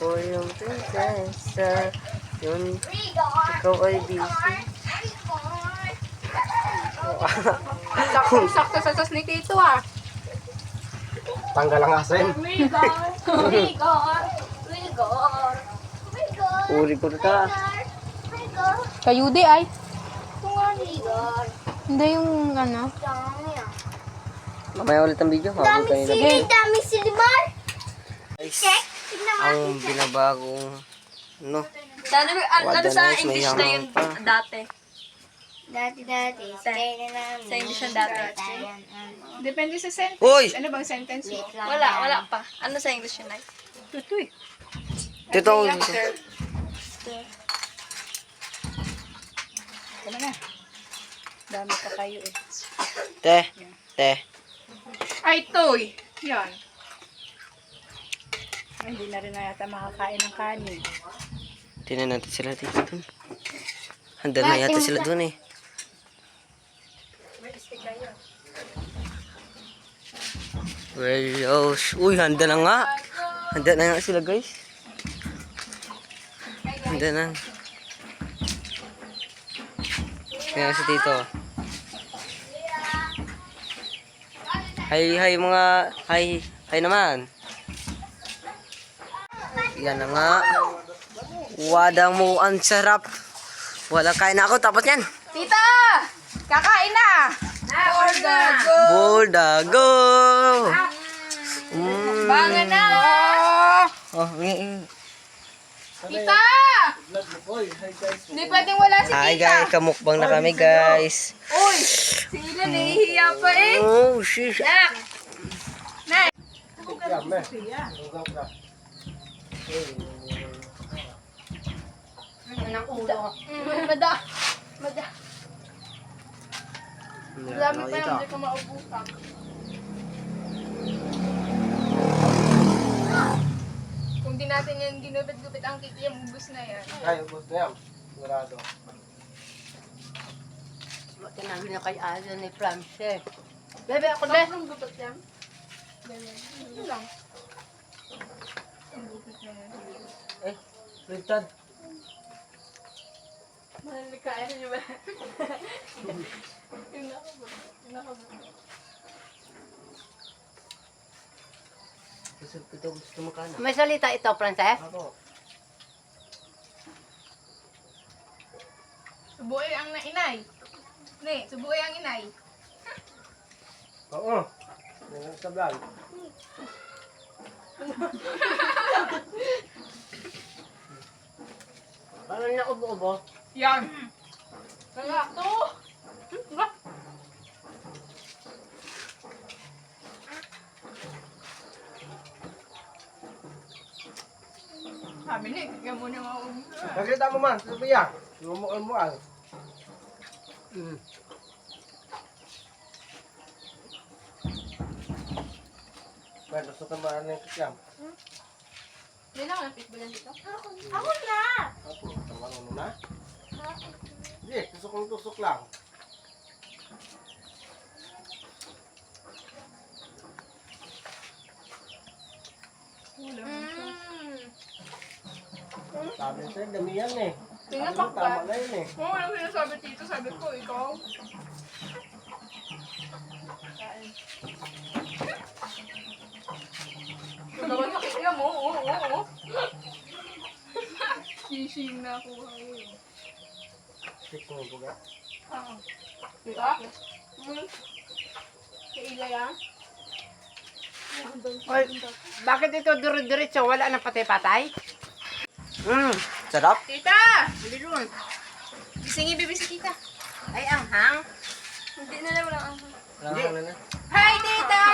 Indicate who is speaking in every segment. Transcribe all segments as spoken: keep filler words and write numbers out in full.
Speaker 1: Ako yung prinsesa. Yun, ikaw ay busy.
Speaker 2: Saktong-sakto sa sas ni Tito ah.
Speaker 3: Tanggal ang asin.
Speaker 4: Rigor, rigor, rigor, rigor.
Speaker 1: Uri ko ta.
Speaker 4: Rigor,
Speaker 2: Kayudi ay.
Speaker 4: rigor.
Speaker 2: Hindi yung ano.
Speaker 4: Dami ah.
Speaker 1: Mamaya ulit ang video. Habang
Speaker 4: Dami
Speaker 1: kanina.
Speaker 4: sili, dami silimar.
Speaker 1: Guys,
Speaker 4: Check, tignan mo.
Speaker 1: ang binabagong no.
Speaker 5: Sana ano
Speaker 1: Wala
Speaker 5: sa
Speaker 1: na,
Speaker 5: English
Speaker 1: may
Speaker 5: na yun
Speaker 1: hamon pa.
Speaker 5: dati.
Speaker 4: Dati-dati, stay na namin.
Speaker 5: Sa English yung dati.
Speaker 4: Tayan,
Speaker 2: Depende sa sentence.
Speaker 1: Uy!
Speaker 2: Ano bang sentence mo?
Speaker 4: wait lang
Speaker 5: Wala,
Speaker 4: yan.
Speaker 5: wala pa. Ano sa English yun ay?
Speaker 2: Tutoy.
Speaker 1: Tito,
Speaker 2: Tama na. Dami pa kayo eh.
Speaker 1: te, te.
Speaker 2: Ay, toy. Yan. Ay, hindi na rin na yata makakain ng kanin.
Speaker 1: Tingnan natin sila dito dun. Handa na yata sila dun eh. Well, oh, uy, handa na nga. Handa na nga sila guys. Handa na. Kaya si Tito. Hi, hi mga, hi, hi naman. Yan na nga. Wadang mo, ang sarap. Wala kain na ako, tapos yan.
Speaker 2: Tita! Kakain na! Bordago!
Speaker 1: Bordago! Mm.
Speaker 2: Bangan na!
Speaker 1: Oh, mm.
Speaker 2: Tita! Hindi pwedeng wala si
Speaker 1: Hi
Speaker 2: Tita.
Speaker 1: guys, kamukbang na kami guys.
Speaker 2: Uy! Sila nahihiya pa eh.
Speaker 1: Oh, sheesh.
Speaker 2: Nak! Nak!
Speaker 4: Anong ulo? Mada. Mada.
Speaker 2: Dami pa yung hindi ko maubusan. Kung di natin yan ginupit-gupit ang kiki, yung ubus na yan.
Speaker 3: Ay, ubos na yan. Sigurado.
Speaker 4: Tinabi na kay Alan ni Frances.
Speaker 2: Bebe, ako na. Bakit gupit yan? Ito lang. Ang gupit na yan.
Speaker 1: Eh, Sultan.
Speaker 2: Mahalikain niyo ba? Yung nakabot. Yung nakabot.
Speaker 1: Gusto ito, gusto makana.
Speaker 4: May salita ito, Frances?
Speaker 1: Ako.
Speaker 2: Subuoy ang nainay. Ne, subuoy ang inay.
Speaker 3: Oo. Yan sa vlog.
Speaker 4: Ano na ubo-ubo?
Speaker 2: Yan. Kaya to. Ba? Sabi ni, kaya mo na maubos.
Speaker 3: Nakita mo man, Sophia. Lumukal-mukal.
Speaker 4: Mm.
Speaker 3: Pwede gusto ka maano yung kikyam.
Speaker 2: Hindi na ako napitbulan dito.
Speaker 4: Ako na!
Speaker 3: Ako, tamang mo na. Hindi, tusok ng tusok lang. Sabi sa'yo, dami yan eh.
Speaker 2: Tingnan
Speaker 3: Sabi mo,
Speaker 2: pa
Speaker 3: tama na yun eh.
Speaker 2: Oo, ano sinasabi dito? Sabi ko, ikaw. Naman nakikita mo, oo, oo, oo. Sising na ako ngayon.
Speaker 3: Tik mo buga.
Speaker 2: Ah. Diba? Hmm. Kaila yan?
Speaker 4: Oy, bakit ito duro-diretso? Wala na patay-patay?
Speaker 1: Mmm, sarap.
Speaker 2: Tita! Bili doon. Gisingin bibi si tita.
Speaker 4: Ay, ang hang.
Speaker 5: Hindi na lang lang.
Speaker 1: Wala ka na na.
Speaker 2: Hi, tita!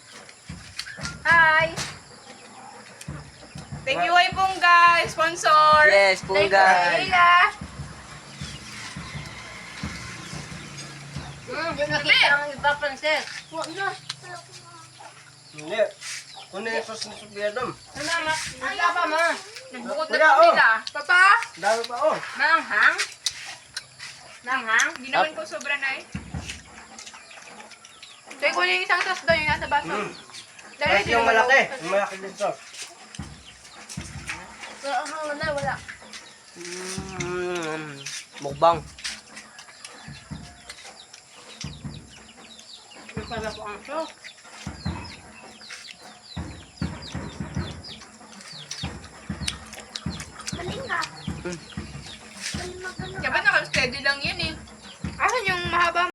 Speaker 2: Hi! Thank you, Way Pungga, sponsor.
Speaker 1: Yes,
Speaker 2: Thank you,
Speaker 1: punggay.
Speaker 2: Leila.
Speaker 4: Hmm, yung nakita ang iba, Frances.
Speaker 2: Huwag na.
Speaker 3: Hindi. Kunin yung sauce ni Sophia dam.
Speaker 4: Ano, ma? Ano pa, ma?
Speaker 2: Nagbukod na
Speaker 3: Kuya,
Speaker 2: kami
Speaker 3: oh.
Speaker 2: nila. Papa,
Speaker 3: Dami pa oh.
Speaker 4: Manghang? Manghang?
Speaker 2: hindi naman ko sobra na eh. Kaya ko yung isang sauce doon, yung nasa baso.
Speaker 3: Mm.
Speaker 2: Dali,
Speaker 3: Kahit yung malaki. Yung malaki din sauce.
Speaker 2: Wala ang hangan na, wala.
Speaker 1: Mm, mukbang.
Speaker 4: Yung pala po ang show.
Speaker 2: Maling ka.
Speaker 1: Mm.
Speaker 2: Maling magkano.
Speaker 5: Diba naka-steady lang yan eh. Asan yung mahaba